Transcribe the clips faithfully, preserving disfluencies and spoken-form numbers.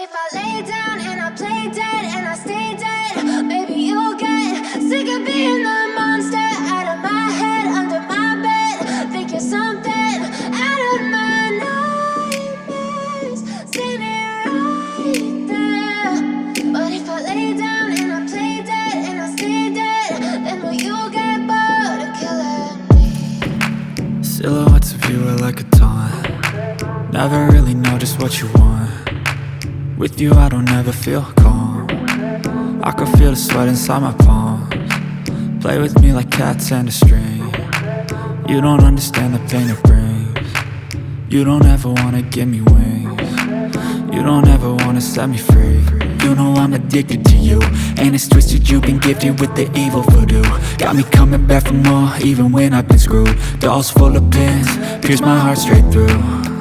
if I lay down and I play dead and I stay dead, maybe you'll get sick of being the monster out of my head, under my bed. Think you're something out of my nightmares, standing right there. But if I lay down and I play dead and I stay dead, then will you get bored of killing me? Silhouettes of you are like a taunt. Never really know just what you want. With you I don't ever feel calm. I can feel the sweat inside my palms. Play with me like cats and a string. You don't understand the pain it brings. You don't ever wanna give me wings. You don't ever wanna set me free. You know I'm addicted to you, and it's twisted, you've been gifted with the evil voodoo. Got me coming back for more, even when I've been screwed. Dolls full of pins, pierce my heart straight through.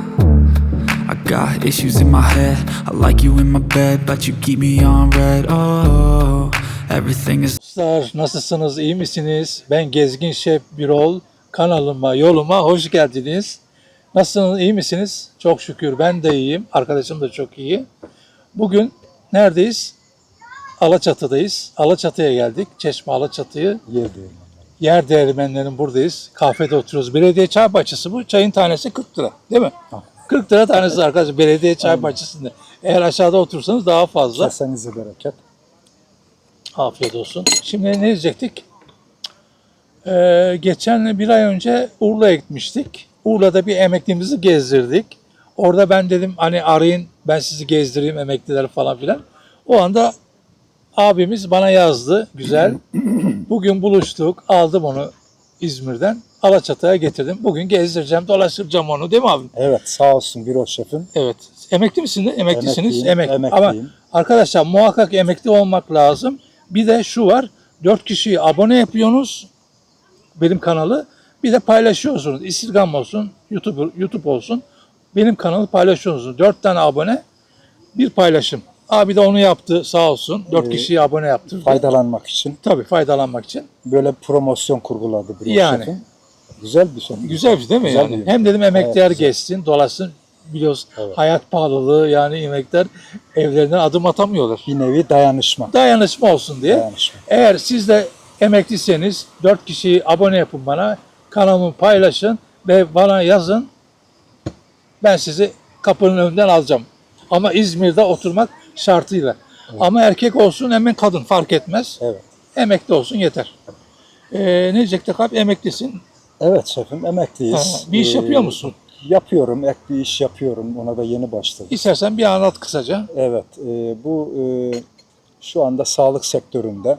I got issues in my head, I like you in my bed, but you keep me on red. Oh, everything is... Dostlar, nasılsınız, iyi misiniz? Ben Gezgin Şef Birol, kanalıma, yoluma hoş geldiniz. Nasılsınız, iyi misiniz? Çok şükür ben de iyiyim, arkadaşım da çok iyi. Bugün neredeyiz? Alaçatı'dayız. Alaçatı'ya geldik. Çeşme Alaçatı'yı. Yer değirmeni. Yer değirmenlerin buradayız. Kahvede oturuyoruz. Belediye çay bahçesi bu. Çayın tanesi kırk lira. Değil mi? Ha. kırk lira tanesi arkadaşlar. Belediye çay bahçesinde. Eğer aşağıda otursanız daha fazla. Kesenize bereket. Afiyet olsun. Şimdi ne diyecektik? Ee, geçen bir ay önce Urla'ya gitmiştik. Urla'da bir emeklimizi gezdirdik. Orada ben dedim hani arayın ben sizi gezdireyim emekliler falan filan. O anda abimiz bana yazdı. Güzel. Bugün buluştuk. Aldım onu İzmir'den. Alaçatı'ya getirdim. Bugün gezdireceğim, dolaştıracağım onu. Değil mi abi? Evet, sağ olsun Birol Şef'im. Evet. Emekli misiniz? Emeklisiniz. Emekliyim, Emekli. Ama emekliyim. arkadaşlar muhakkak emekli olmak lazım. Bir de şu var. Dört kişiyi abone yapıyorsunuz. Benim kanalı. Bir de paylaşıyorsunuz. Instagram olsun, YouTube, YouTube olsun. Benim kanalı paylaşıyorsunuz. Dört tane abone, bir paylaşım. Abi de onu yaptı sağ olsun. Dört Ee, kişiyi abone yaptırdı. Faydalanmak için Tabii faydalanmak için. böyle promosyon kurguladı Birol Yani. Şef'im. Güzel bir şey. Güzel bir şey değil mi Güzel yani? bir- Hem dedim emekliler Evet, güzel. geçsin, dolaşsın. Biliyoruz Evet. hayat pahalılığı yani emekliler evlerinden adım atamıyorlar. Bir nevi dayanışma. Dayanışma olsun diye. Dayanışma. Eğer siz de emekliyseniz dört kişiyi abone yapın bana. Kanalımı paylaşın ve bana yazın. Ben sizi kapının önünden alacağım. Ama İzmir'de oturmak şartıyla. Ama erkek olsun hemen kadın fark etmez. Evet. Emekli olsun yeter. Ee, ne diyecektik abi? Emeklisin. Evet şefim, emekliyiz. Ha, bir iş Ee, yapıyor musun? Yapıyorum, ek bir iş yapıyorum. Ona da yeni başladım. İstersen bir anlat kısaca. Evet, e, bu e, şu anda sağlık sektöründe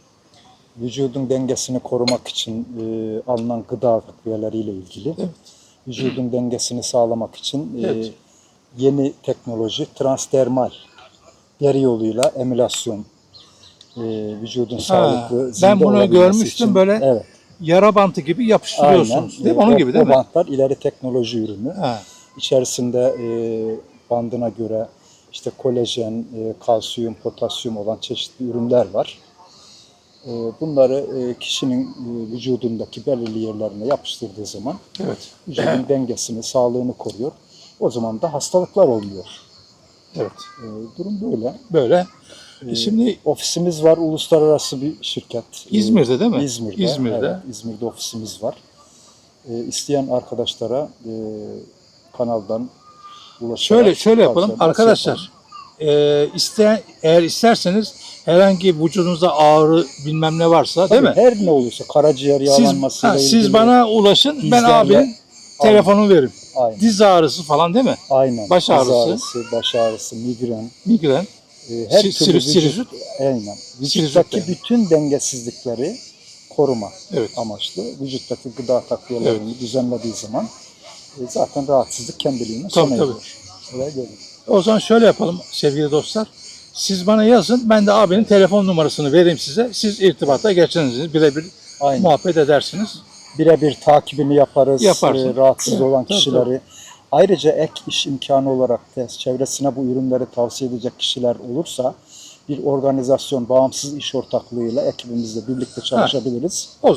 vücudun dengesini korumak için e, alınan gıda takviyeleriyle ilgili. Evet. Vücudun dengesini sağlamak için e, Evet. yeni teknoloji transdermal deri yoluyla emülasyon e, vücudun sağlıklı zinde ben bunu olabilmesi görmüştüm için- böyle Evet. Yara bantı gibi yapıştırıyorsunuz. Aynen. Değil mi? E, Onun o- gibi değil o mi? bantlar ileri teknoloji ürünü. Ha. İçerisinde e, bandına göre işte kolajen, e, kalsiyum, potasyum olan çeşitli ürünler var. E, bunları e, kişinin e, vücudundaki belirli yerlerine yapıştırdığı zaman Evet. vücudun dengesini, sağlığını koruyor. O zaman da hastalıklar olmuyor. Evet. E, durum böyle. Böyle. E, Şimdi ofisimiz var, uluslararası bir şirket. E, İzmir'de değil mi? İzmir'de. İzmir'de. Evet, İzmir'de ofisimiz var. E, isteyen arkadaşlara e, kanaldan ulaşarak şöyle şöyle yapalım tavsiye- arkadaşlar. E, isteyen eğer isterseniz herhangi vücudunuzda ağrı bilmem ne varsa değil mi? Tabii, her ne olursa karaciğer Siz, yağlanmasıyla ha, ilgili. siz bana ulaşın. Ben dizlerle- abinin telefonunu veririm. Aynen. Diz ağrısı falan değil mi? Aynen. baş Diz ağrısı. ağrısı, baş ağrısı, migren. Migren. e, her Si- türlü sinüs- vücut, sinüzit. aynen. Sinüzit Vücuttaki yani. bütün dengesizlikleri koruma Evet. amaçlı. Vücuttaki gıda takviyelerini düzenlediği zaman e, zaten rahatsızlık kendiliğine Tabii, sona tabii. eriyor. Olay böyle. O zaman şöyle yapalım sevgili dostlar. Siz bana yazın. Ben de abinin telefon numarasını vereyim size. Siz irtibata geçersiniz. Birebir Aynen. muhabbet edersiniz. Birebir takibini yaparız. Yaparsın. e, rahatsız Evet, olan tabii, kişileri. Ayrıca ek iş imkanı olarak da çevresine bu ürünleri tavsiye edecek kişiler olursa bir organizasyon, bağımsız iş ortaklığıyla ekibimizle birlikte çalışabiliriz. O zaman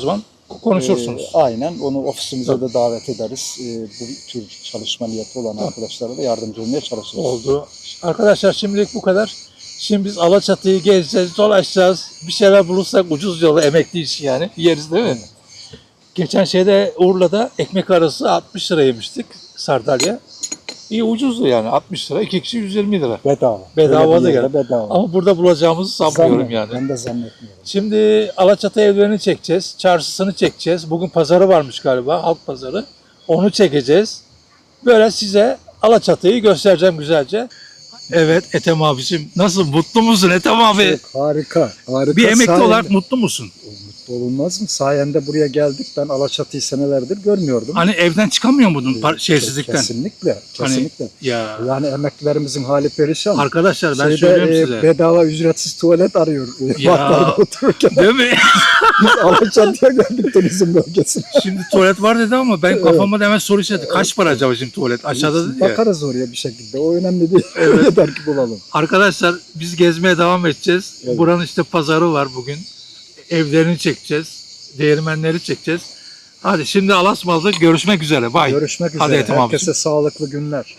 konuşursunuz. Ee, aynen. Onu ofisimize de davet ederiz. Ee, bu tür çalışma niyeti olan arkadaşlara da yardımcı olmaya çalışırız. Oldu. Arkadaşlar şimdilik bu kadar. Şimdi biz Alaçatı'yı gezeceğiz, dolaşacağız. Bir şeyler bulursak ucuz yolu emekli işi yani. Yeriz değil mi? Evet. Geçen şeyde Urla'da ekmek arası altmış lira yemiştik sardalya. İyi ucuzdu yani altmış lira. İki kişi yüz yirmi lira. Bedava. Bedava Öyle bir da yerde geldi. Bedava. Ama burada bulacağımızı sanmıyorum Zannet- yani. Ben de zannetmiyorum. Şimdi Alaçatı evlerini çekeceğiz. Çarşısını çekeceğiz. Bugün pazarı varmış galiba. Halk pazarı. Onu çekeceğiz. Böyle size Alaçatı'yı göstereceğim güzelce. Evet Ethem abicim. Nasıl? Mutlu musun Ethem abi? Çok harika. Harika. Bir emekli Sayende- olarak mutlu musun? Mutlu olunmaz mı? Sayende buraya geldik. Ben Alaçatı'yı senelerdir görmüyordum. Hani evden çıkamıyor muydun par- şeysizlikten? Kesinlikle. Kesinlikle. Ya Yani emeklilerimizin hali perişan. arkadaşlar ben Şeyde, söylüyorum e, size. bedava ücretsiz tuvalet arıyor. Ya. Parklarda otururken Değil mi? biz Alaçatı'ya geldik turizm bölgesine. Şimdi tuvalet var dedi ama ben kafama da hemen soru işareti. Kaç para acaba şimdi tuvalet? Aşağıda dedi ya. Bakarız oraya bir şekilde. O önemli değil. Yeter ki bulalım. Arkadaşlar biz gezmeye devam edeceğiz. Evet. Buranın işte pazarı var bugün. Evlerini çekeceğiz. Değirmenleri çekeceğiz. Hadi şimdi Alasmalı'da görüşmek üzere. Bye. Görüşmek üzere. Hadi Ethem Herkese abicim. sağlıklı günler.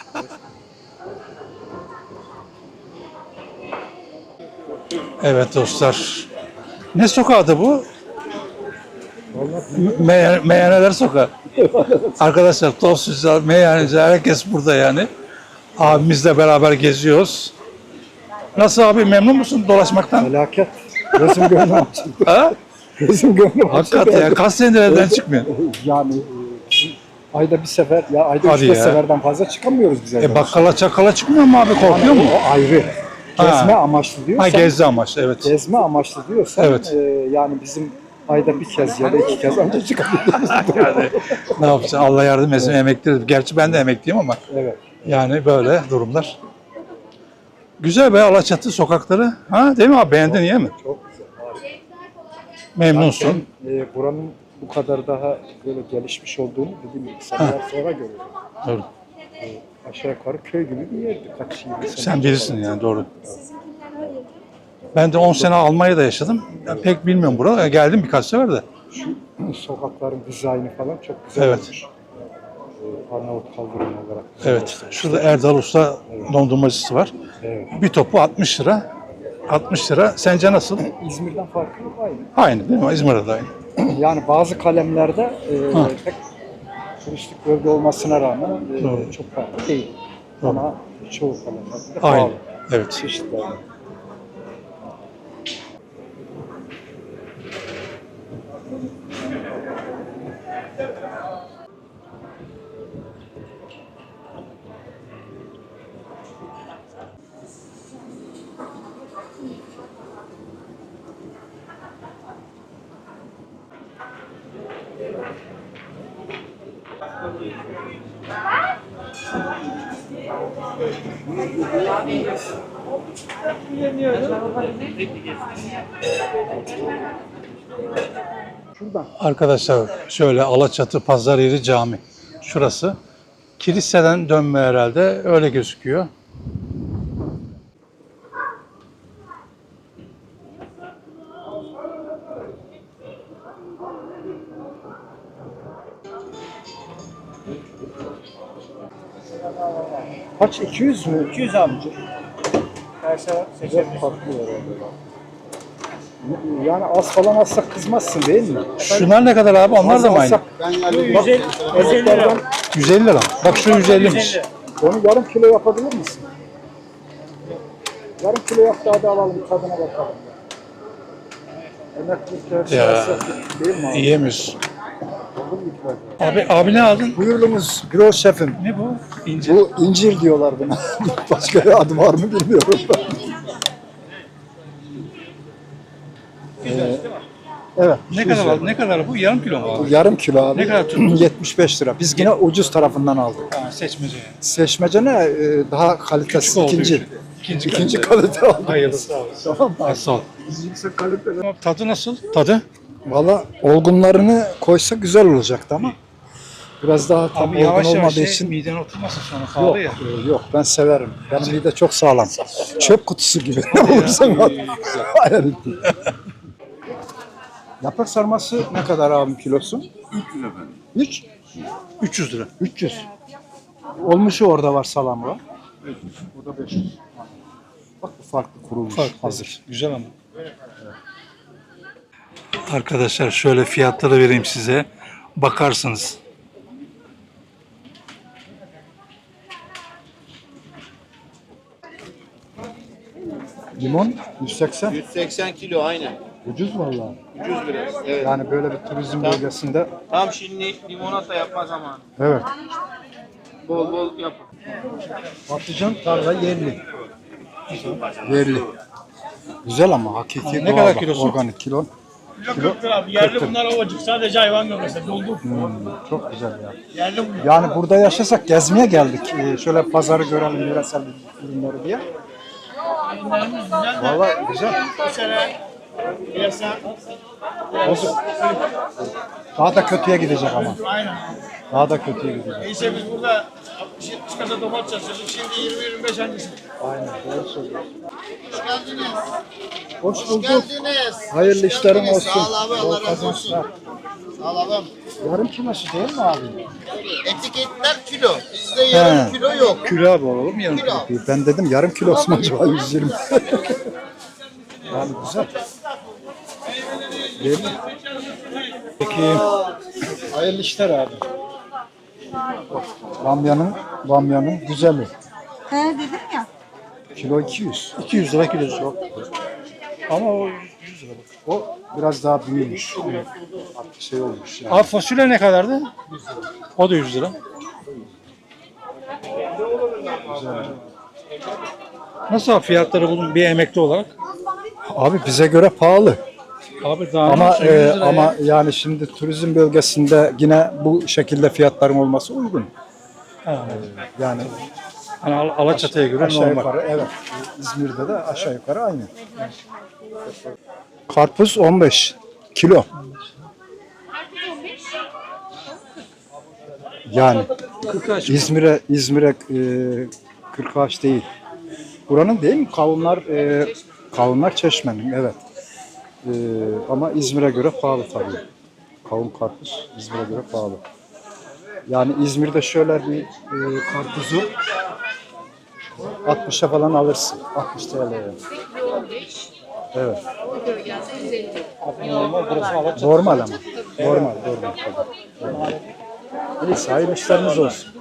Evet dostlar. Ne sokağı bu? Me Meyhaneler Sokağı. Arkadaşlar tostçular, meyhaneciler herkes burada yani. Abimizle beraber geziyoruz. Nasıl abi memnun musun dolaşmaktan? Felaket. Gözüm gönlüm açıldı. Ha? Gözüm gönlüm açıldı. Hakikaten ya kaç senedir evden çıkmıyor. Yani e, bizim ayda bir sefer ya ayda Hadi üç beş ya. seferden fazla çıkamıyoruz biz evden. E bakkala çakala çıkmıyor mu abi korkuyor mu? O ayrı. Ha. Gezme amaçlı diyorsan. Ha gezdi amaçlı evet. Gezme amaçlı diyorsan. Evet. e, yani bizim ayda bir kez ya da iki kez ancak çıkabiliyoruz. Yani ne yapacaksın Allah yardım etsin emekli. Gerçi ben de emekliyim ama Evet. yani böyle durumlar. Güzel be Alaçatı sokakları. Ha değil mi abi beğendin iyi mi? Çok güzel. harika. Memnunsun. Ben e, buranın bu kadar daha böyle gelişmiş olduğunu dediğim gibi seneler sonra görüyorum. Doğru. Aşağı yukarı köy gibi bir yerdi. Kaç yirmi sene. Sen bilirsin yani doğru. Ben de on sene Almanya'da yaşadım. Ya pek bilmiyorum buralara. Geldim birkaç sefer de. Şu sokakların dizaynı falan çok güzel Evet. olmuş. Ee, Arnavut kaldırımı olarak. Evet. Şurada Erdal Usta dondurmacısı var. Evet. Bir topu altmış lira. altmış lira. Sence nasıl? İzmir'den farkı yok aynı. Aynı değil mi? İzmir'de de aynı. Yani bazı kalemlerde e, Ha. pek turistik bölge olmasına rağmen e, Doğru. çok farklı değil. Doğru. Ama çoğu kalemlerde de Aynı. pahalı. Evet. Çeşitler. Şuradan. Arkadaşlar şöyle Alaçatı Pazar Yeri Cami. Şurası. Kiliseden dönme herhalde. Öyle gözüküyor. Kaç? iki yüz mü? iki yüz amca. Karşıya Güzel farklı herhalde. Yani az falan alsak kızmazsın değil mi? Şunlar ne kadar abi? Onlar da mı aynı? yüz elli, yüz elli lira. yüz elli lira. Bak şu yüz ellimiş. Onu yarım kilo yapabilir misin? Yarım kilo yap daha da alalım tadına bakalım. Emeklilikler Ya. değil mi abi? Yiyemiyoruz. Olur mu ki bak? Abi, abi ne aldın? Buyurunuz Gros şefim. Ne bu? İncir. Bu incir diyorlar buna. Başka bir adı var mı bilmiyorum ben. Ee, evet. Ne kadar aldın? Ne kadar bu? Yarım kilo mu Bu abi? yarım kilo abi. Ne kadar tuttu? yetmiş beş lira. Biz yine ucuz tarafından aldık. Ha, seçmece yani. Seçmece ne? Ee, daha kalitesi Küçük olduğu ikinci. için. İkinci, İkinci kalite aldık. Hayırlısı sağ olsun. Tamam mı? Ha, sağ ol. Yüksek kaliteli. Tadı nasıl? Tadı? Valla olgunlarını koysa güzel olacaktı ama biraz daha tam Abi olgun yavaş yavaş olmadığı şey, için miden oturmasın sonra yok, pahalı ya. e, yok ben severim. Benim mide çok sağlam. Çöp kutusu gibi. Ne olursa al. Hayal ettim. Yaprak sarması ne kadar abim kilosu? üç yüz efendim. üç? üç yüz lira. üç yüz. Olmuşu orada var, salamı var. Burada beş yüz. Bak bu farklı kurulmuş, Farklı. hazır. Güzel ama. Arkadaşlar şöyle fiyatları vereyim size. Bakarsınız. Limon yüz seksen. yüz seksen kilo aynen. Ucuz vallahi. ucuz biraz. Evet. Yani böyle bir turizm bölgesinde. Tam şimdi limonata yapma zamanı. Evet. Bol bol yap. Patlıcan tarla yerli. Yerli. Güzel ama hakiki Ne doğal kadar bak, kilosu? organik kilo. Kilo Abi yerli bunlar ovacık. Sadece hayvan gömesi. Doldu. çok güzel ya. Yerli bunlar. Yani burada yaşasak gezmeye geldik. Ee, şöyle pazarı görelim, yöresel ürünleri diye. Ürünlerimiz güzel de Vallahi güzel. bu sene piyasa Bozuk. Daha da kötüye gidecek ama. aynen. Daha da kötüye gidecek. Neyse biz burada altmış yetmiş kasa domates satıyorduk. Şimdi yirmi yirmi beş hangisi? Aynen, doğru söylüyorsun. Hoş geldiniz. Hoş Hoş bulduk. geldiniz. Hayırlı Hoş işlerin geldiniz. olsun. Sağ ol abi, Allah Bol razı olsun. kazançlar. Sağ ol abim. Yarım kilosu değil mi abi? Etiketler kilo. Bizde yarım He. kilo yok. Kilo abi oğlum yarım Kilo. kilo. Ben dedim yarım kilosu mu acaba yüz yirmi? Yani güzel. Değil mi? Peki. Hayırlı işler abi. Bamyanın, bamyanın güzeli. He dedim ya. Kilo iki yüz. iki yüz lira kilosu. Ama o yüz lira. O biraz daha büyümüş. Artık şey olmuş yani. Abi fasulye ne kadardı? O da yüz lira. Nasıl abi fiyatları bunun bir emekli olarak? Abi bize göre pahalı. Abi daha Ama nasıl yüz e, lira ya? ama yani şimdi turizm bölgesinde yine bu şekilde fiyatların olması uygun. Ha, Yani hani Al- Alaçatı'ya göre aşağı normal. yukarı evet. İzmir'de de aşağı yukarı aynı. Karpuz on beş kilo. Yani İzmir'e İzmir'e e, kırk ağaç değil. Buranın değil mi? Kavunlar e, kavunlar Çeşme'nin evet. E, ama İzmir'e göre pahalı tabii. Kavun karpuz İzmir'e göre pahalı. Yani İzmir'de şöyle bir e, karpuzu altmışa falan alırsın. altmış T L'ye. Evet. Normal ama. Normal, normal tabii. Neyse, hayırlı işleriniz olsun.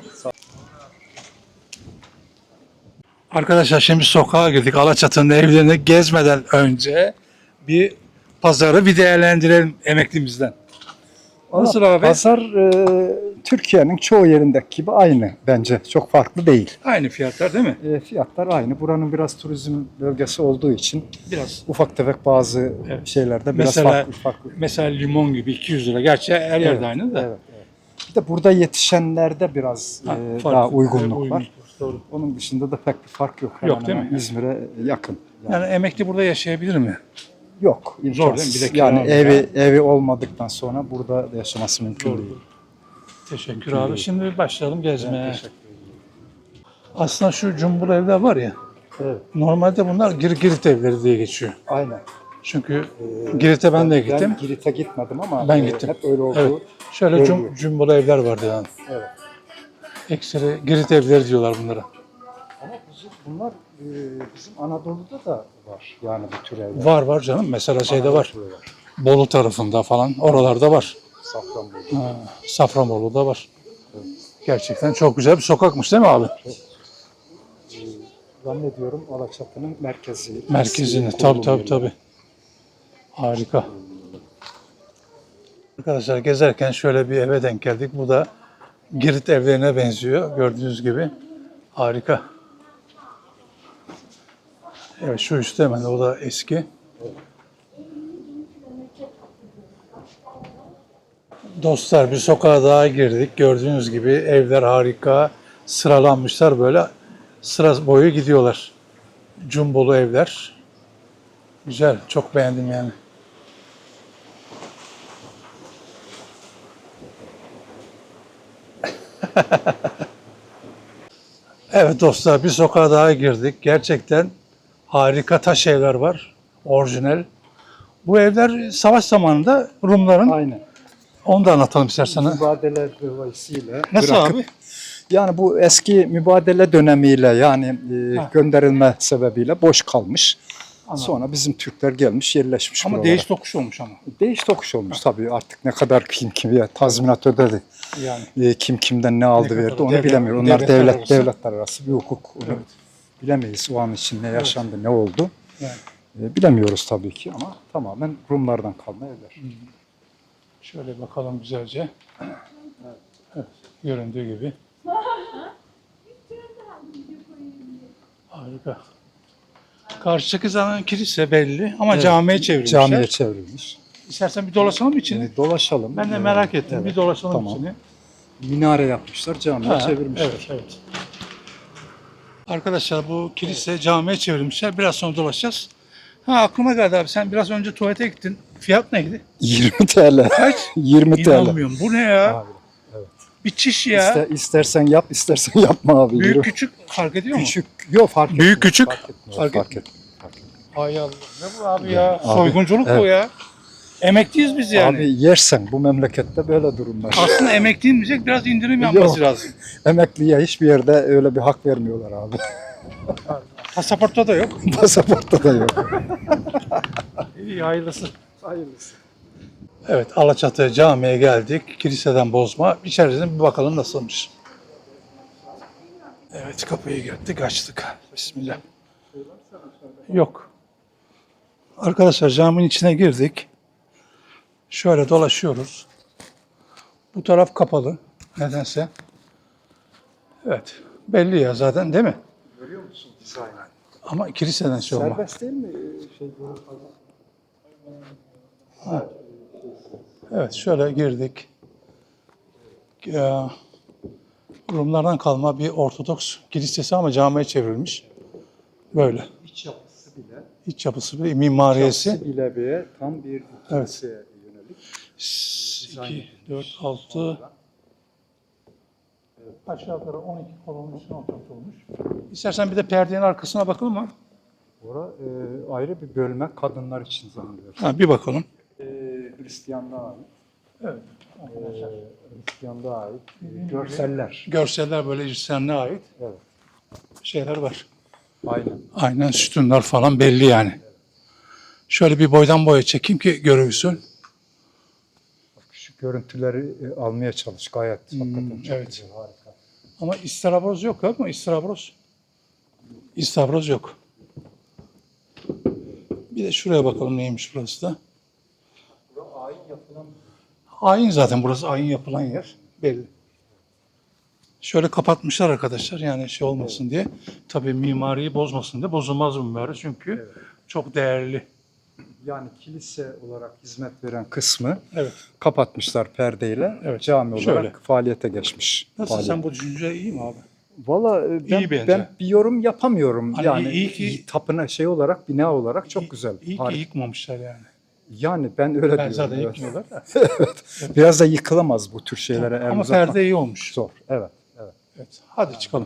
Arkadaşlar şimdi sokağa girdik. Alaçatı'nın evlerini gezmeden önce bir pazarı bir değerlendirelim emeklimizden. Nasıl abi? Pazar e, Türkiye'nin çoğu yerindeki gibi aynı bence. Çok farklı değil. Aynı fiyatlar değil mi? E, fiyatlar aynı. Buranın biraz turizm bölgesi olduğu için Biraz. ufak tefek bazı Evet. şeylerde biraz Mesela farklı farklı. mesela limon gibi iki yüz lira. Gerçi her yerde aynı da. Evet, evet. Bir de burada yetişenlerde biraz Ha, e, farklı. daha uygunluk Uygun. var. Doğru. Onun dışında da pek bir fark yok. Yok, Hemen değil hemen mi? İzmir'e yakın. Yani Yani emekli burada yaşayabilir mi? yok. Zor değil mi? imkansız. Bir de kira yani var evi ya. evi olmadıktan sonra burada yaşaması mümkün Doğru. değil. Teşekkür abi. Şimdi başlayalım gezmeye. Teşekkür Aslında şu cumbul evler var ya. Evet. Normalde bunlar Gir Girit evleri diye geçiyor. Aynen. Çünkü Girit'e ben de gittim. Ben Girit'e gitmedim ama Ben e, gittim. hep öyle oldu. Evet. Şöyle görülüyor. cum, cumbul evler vardı yani. Evet. Ekseri Girit evleri diyorlar bunlara. Ama bizim, bunlar e, bizim Anadolu'da da var. Yani bu tür evler. Var var canım. Mesela şeyde var. Anadolu'da var. Bolu tarafında falan. Oralarda var. Safranbolu. Ha, Safranbolu'da var. Gerçekten çok güzel bir sokakmış değil mi abi? Zannediyorum Alaçatı'nın merkezi. Merkezini. eski Tabii kurulum tabii yeri. tabii. Harika. Arkadaşlar gezerken şöyle bir eve denk geldik. Bu da Girit evlerine benziyor. Gördüğünüz gibi. Harika. Evet şu üstte hemen o da eski. Dostlar bir sokağa daha girdik. Gördüğünüz gibi evler harika. Sıralanmışlar böyle. Sıra boyu gidiyorlar. Cumbolu evler. Güzel. Çok beğendim yani. Evet dostlar bir sokağa daha girdik. Gerçekten harika taş evler var. Orijinal. Bu evler savaş zamanında Rumların. Aynen. Onu da anlatalım istersen. ha. Mübadele dolayısıyla Nasıl bırakıp- abi? Yani bu eski mübadele dönemiyle yani e, Ha. gönderilme sebebiyle boş kalmış. Anladım. Sonra bizim Türkler gelmiş yerleşmiş Ama buralara. değiş tokuş olmuş ama. Değiş tokuş olmuş tabii, artık ne kadar kim kime tazminat ödedi. Yani. E, kim kimden ne aldı kadar verdi onu devlet- bilemiyor. Onlar devletler devlet arası. devletler arası bir hukuk. Onu Evet. bilemeyiz o an için ne yaşandı, ne oldu. Yani. E, bilemiyoruz tabii ki ama tamamen Rumlardan kalma evler. Şöyle bakalım güzelce. Evet, göründüğü gibi. Harika. Karşıdaki zaten kilise belli ama Evet, camiye çevrilmişler. Camiye çevrilmiş. İstersen bir dolaşalım içini. E, dolaşalım. Ben de E, merak ettim. evet, Bir dolaşalım tamam. içini. Minare yapmışlar, camiye Ha, çevirmişler. Evet, evet. Arkadaşlar bu kilise camiye çevrilmişler. Biraz sonra dolaşacağız. Ha aklıma geldi abi. Sen biraz önce tuvalete gittin. Fiyat neydi? yirmi TL. Kaç? yirmi TL. İnanmıyorum. Bu ne ya? Abi, evet. Bir çiş ya. İster, istersen yap, istersen yapma abi. Büyük Yürü. küçük fark ediyor mu? Küçük. Yok fark etmiyor. Büyük küçük? Fark etmiyor. Fark Fark, etmiyor. etmiyor. Fark etmiyor. Hay Allah. Ne bu abi ya? Abi, Soygunculuk bu evet. ya. Emekliyiz biz yani. Abi yersen bu memlekette böyle durumlar. Aslında emekliyim diyecek biraz indirim yapması Yok. lazım. Emekliye hiçbir yerde öyle bir hak vermiyorlar abi. Pasaportta da yok. Pasaportta da yok. İyi hayırlısı. Hayırlısı. Evet Alaçatı camiye geldik. Kiliseden bozma. İçerisine bir bakalım nasılmış. Evet kapıyı gittik açtık. Bismillah. Yok. Arkadaşlar caminin içine girdik. Şöyle dolaşıyoruz. Bu taraf kapalı. Nedense. Evet. Belli ya zaten değil mi? Görüyor musun dizaynı? Ama kiliseden şey olma. Serbest değil mi? Şey, Evet şöyle girdik. Ya, Rumlardan kalma bir Ortodoks kilisesi ama camiye çevrilmiş. Böyle. iç yapısı bile. İç yapısı bir mimariyesi. Yapısı bile bir tam bir Evet. kiliseye yönelik. iki, dört, altı aşağı yukarı on iki kolonun üstüne oturtulmuş. İstersen bir de perdenin arkasına bakalım mı? Ora e, ayrı bir bölme kadınlar için zannediyorum. Ha, bir bakalım. E, Hristiyanlığa ait. Evet. E, Hristiyanlığa ait e, görseller. Görseller böyle Hristiyanlığa ait Evet. şeyler var. Aynen. Aynen sütunlar falan belli yani. Şöyle bir boydan boya çekeyim ki görürsün. Şu görüntüleri e, almaya çalış gayet. Hakikaten çok evet. güzel, harika. Ama istavroz yok ama istavroz. İstavroz yok. Bir de şuraya bakalım neymiş burası da. Ayin yapılan Ayin zaten burası ayin yapılan yer. Belli. Şöyle kapatmışlar arkadaşlar yani şey olmasın diye. Tabii mimariyi bozmasın diye. Bozulmaz bu mimari çünkü çok değerli. yani kilise olarak hizmet veren kısmı Evet. kapatmışlar perdeyle. Evet. Cami olarak Şöyle. faaliyete geçmiş. Nasıl Faaliyet. sen bu düşünce iyi mi abi? Valla e, ben, İyi bence. ben bir yorum yapamıyorum. Hani yani iyi ki- tapına şey olarak, bina olarak çok İyi- güzel. İyi ki Harika. yıkmamışlar yani. Yani ben öyle Ben diyorum. zaten evet. yıkmıyorlar da. Biraz da yıkılamaz bu tür şeylere. el Ama uzatmak perde iyi olmuş. zor. Evet. Evet. Evet. Hadi çıkalım.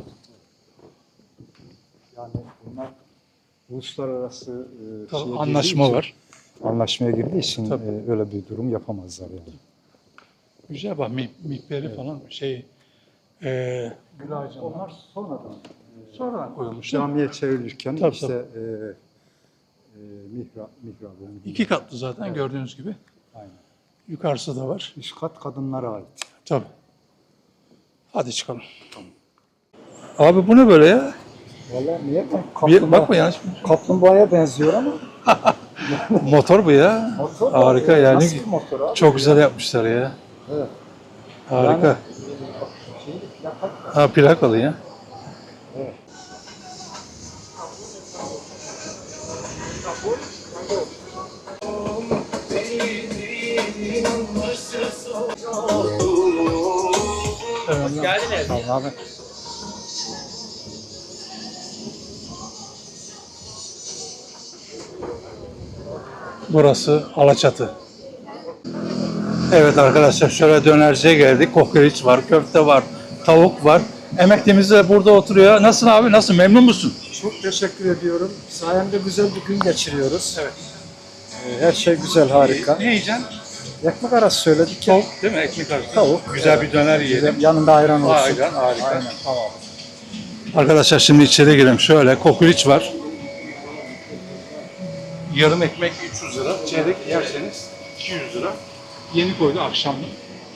Yani bunlar uluslararası e, Tabii, şeye girdiği anlaşma için- var. Anlaşmaya girdiği için Tabii. e, öyle bir durum yapamazlar yani. Güzel bak mi- mihberi falan şey e, gül ağacı Onlar sonradan sonradan koyulmuş. değil mi? camiye çevrilirken Tabii, işte e, e, mihrap, mihrabı. İki katlı zaten gördüğünüz gibi. Aynen. Yukarısı da var. Üst kat kadınlara ait. Tabii. Hadi çıkalım. Abi bu ne böyle ya? Vallahi niye? Bir, bakma yanlış. Kaplumbağaya benziyor ama. Motor bu ya. Motor Harika yani. Nasıl bir motor abi? Çok güzel yapmışlar ya. Evet. Harika. Yani, şey, plaka- Ha plakalı ya. Hoş geldiniz. Abi. Burası Alaçatı. Evet arkadaşlar şöyle dönerciye geldik. Kokoreç var, köfte var, tavuk var. Emeklimiz de burada oturuyor. Nasılsın abi? Nasıl? Memnun musun? Çok teşekkür ediyorum. Sayende güzel bir gün geçiriyoruz. Evet. Ee, her şey güzel, harika. Ne yiyeceksin? Ekmek arası söyledik ya. Tavuk değil mi? Ekmek arası. Tavuk. Güzel bir döner yiyelim. Yanında ayran olsun. Ayran, harika. Aynen. Tamam. Arkadaşlar şimdi içeri girelim. Şöyle kokoreç var. Yarım ekmek üç yüz lira. Çeyrek yerseniz iki yüz lira. Yeni koydu akşamlık.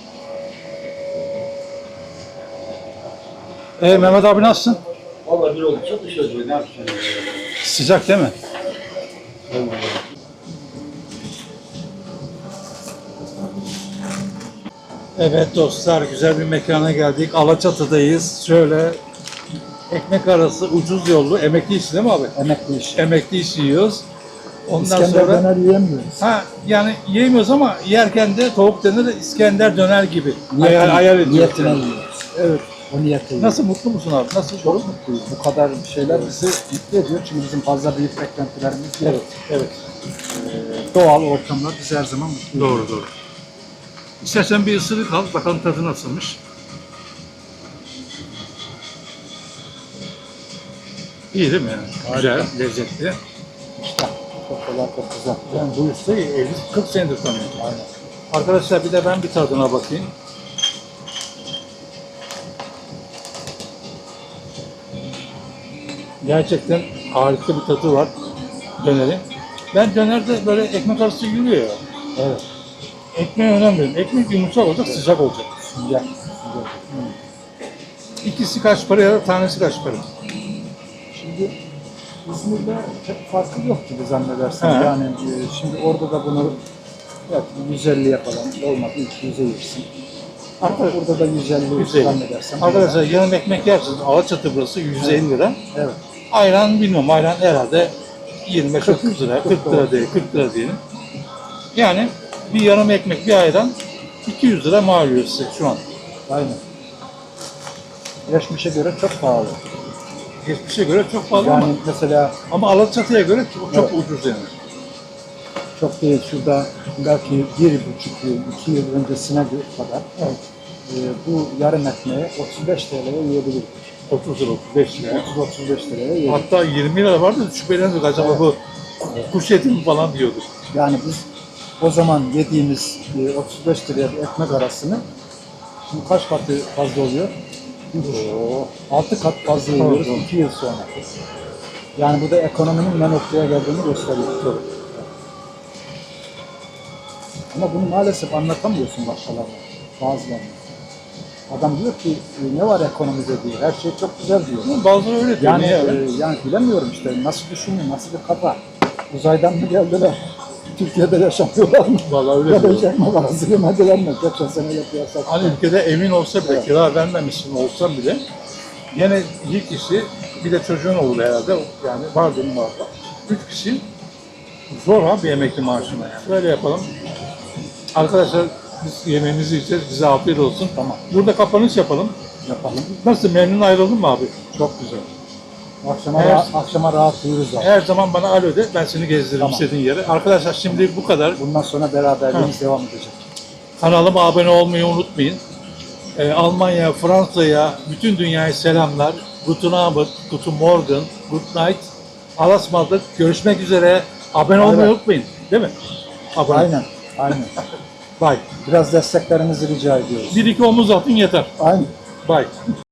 Ee Mehmet abi nasılsın? Vallahi bir oldu. Çok dışarı ne yapacaksın? Sıcak değil mi? Evet dostlar, güzel bir mekana geldik. Alaçatı'dayız. Şöyle ekmek arası ucuz yollu, emekli işi değil mi abi? Emekli iş. Emekli işi yiyoruz. Ondan İskender sonra döner yiyemiyoruz. ha yani yiyemiyoruz ama yerken de tavuk döner de İskender döner gibi. Niyetine- hayal, hayal ediyoruz. niyetine yani. yiyoruz. Evet. O niyetle Nasıl, mutlu musun abi? Nasıl? Çok mutluyuz. Bu kadar şeyler bizi mutlu ediyor. Çünkü bizim fazla büyük beklentilerimiz yok. Evet, evet. Ee, doğal ortamlar bizi her zaman mutlu ediyor. Doğru, doğru. İstersen bir ısırık al, bakalım tadı nasılmış. İyi değil mi yani? Güzel, lezzetli. Çok kolay, çok güzel. Ben bu ustayı elli kırk senedir tanıyorum. Aynen. Arkadaşlar bir de ben bir tadına bakayım. Gerçekten harika bir tadı var dönerin. Ben dönerde böyle ekmek arası yürüyor ya. Evet. Ekmeğe önem veriyorum. Ekmek yumuşak olacak, sıcak olacak. Sıcak. İkisi kaç para ya da tanesi kaç para? Şimdi İzmir'de çok farkı yok gibi zannedersen. He. Yani e, şimdi orada da bunu belki yüz elliye falan olmadı iki yüze yersin. Ama burada da yüz elli yüz elli. zannedersem. Arkadaşlar yarım ekmek yersiniz. Alaçatı burası yüz elli lira. Evet. Ayran bilmiyorum. Ayran herhalde yirmi beş otuz lira, kırk lira değil, kırk lira diyelim. Yani bir yarım ekmek, bir ayran iki yüz lira mal oluyor size şu an. Aynen. Geçmişe göre çok pahalı. Geçmişe göre çok pahalı Yani ama, mesela ama Alaçatı'ya göre çok, çok ucuz yani. çok değil şurada belki bir buçuk yıl, iki yıl öncesine kadar Evet. e, bu yarım ekmeği otuz beş T L'ye yiyebilirdik. otuz lira, otuz beş lira. otuz otuz beş liraya yedik. Hatta yirmi lira vardı da şüphelendik acaba bu kuş eti mi falan diyorduk. Yani biz o zaman yediğimiz e, otuz beş liraya bir ekmek arasını şimdi kaç katı fazla oluyor? altı kat fazla yiyoruz iki yıl sonra. Yani bu da ekonominin ne noktaya geldiğini gösteriyor. Ama bunu maalesef anlatamıyorsun başkalarına, bazılarına. Adam diyor ki e, ne var ekonomide diyor, her şey çok güzel diyor. Bazıları öyle diyor. Yani, Niye öyle? e, yani bilemiyorum işte nasıl düşünüyor, nasıl bir kafa. Uzaydan mı geldiler? Türkiye'de yaşamıyorlar mı? Vallahi öyle Ya da diyor. hiç ekmek arası yemediler mi? Geçen seneyle kıyasla. Hani ülkede emin olsa bile, kira vermemişsin olsam bile yine ilk kişi, bir de çocuğun olur herhalde, yani var benim var. Üç kişi zor ha bir emekli maaşına yani. Şöyle yapalım. Arkadaşlar biz yemeğimizi yiyeceğiz, bize afiyet olsun. Tamam. Burada kapanış yapalım. Yapalım. Nasıl, memnun ayrıldın mı abi? Çok güzel. Akşama, Her- rahat, akşama rahat uyuruz abi. Her zaman bana alo de, ben seni gezdiririm Tamam. istediğin yere. Arkadaşlar şimdi bu kadar. Bundan sonra beraberliğimiz devam edecek. Kanalıma abone olmayı unutmayın. Ee, Almanya, Fransa'ya, bütün dünyaya selamlar. Guten Abend, Guten Morgen, Good Night. Alasmadık. Görüşmek üzere. Abone olmayı Aynen. unutmayın. Değil mi? Abone. Aynen. Aynen. Bye. Biraz desteklerinizi rica ediyoruz. Bir iki omuz atın yeter. Aynen. Bye.